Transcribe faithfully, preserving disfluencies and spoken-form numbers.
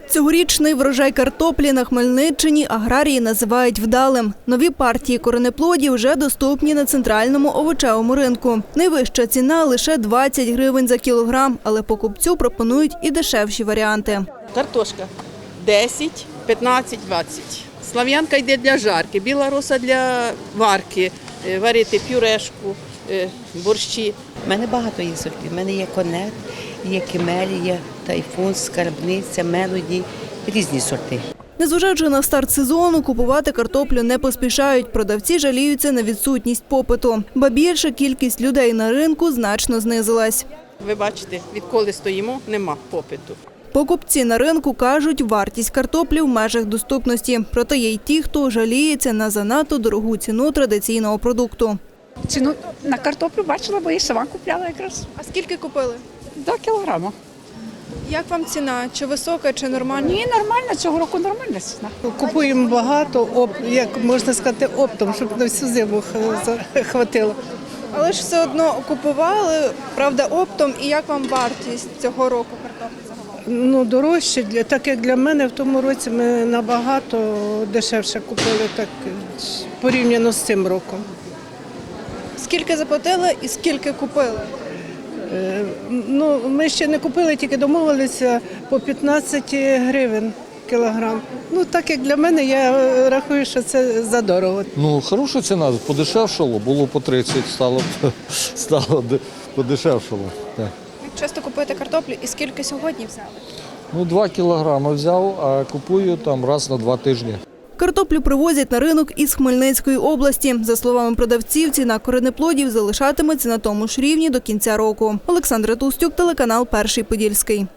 Цьогорічний врожай картоплі на Хмельниччині аграрії називають вдалим. Нові партії коренеплодів вже доступні на центральному овочевому ринку. Найвища ціна – лише двадцять гривень за кілограм, але покупцю пропонують і дешевші варіанти. Картошка десять, п'ятнадцять, двадцять. Слав'янка йде для жарки, біла роса для варки, варити пюрешку, борщі. У мене багато є сортів. У мене є конет, є кемелія, тайфун, скарбниця, мелоді, різні сорти. Незважаючи на старт сезону, купувати картоплю не поспішають. Продавці жаліються на відсутність попиту. Ба більше, кількість людей на ринку значно знизилась. Ви бачите, відколи стоїмо, нема попиту. Покупці на ринку кажуть, вартість картоплі в межах доступності. Проте є й ті, хто жаліється на занадто дорогу ціну традиційного продукту. Ціну на картоплю бачила, бо я сама купляла якраз. А скільки купили? До кілограма. Як вам ціна? Чи висока, чи нормальна? Ні, нормально, цього року нормальна ціна. Купуємо багато, оп, як можна сказати, оптом, щоб на всю зиму хватило. Але ж все одно купували, правда, оптом. І як вам вартість цього року картоплі загалом? Ну, дорожче, для- так як для мене в тому році ми набагато дешевше купили, так порівняно з цим роком. Скільки заплатили і скільки купили? Е, Ну, ми ще не купили, тільки домовилися по п'ятнадцять гривень кілограм. Ну, так як для мене, я рахую, що це задорого. Ну, хороша ціна, подешевшало, було по тридцять, стало, стало де- подешевшало. Так. Як часто купуєте картоплю і скільки сьогодні взяли? Ну, два кілограми взяв, а купую там раз на два тижні. Картоплю привозять на ринок із Хмельницької області. За словами продавців, ціна коренеплодів залишатиметься на тому ж рівні до кінця року. Олександра Тустюк, телеканал «Перший Подільський».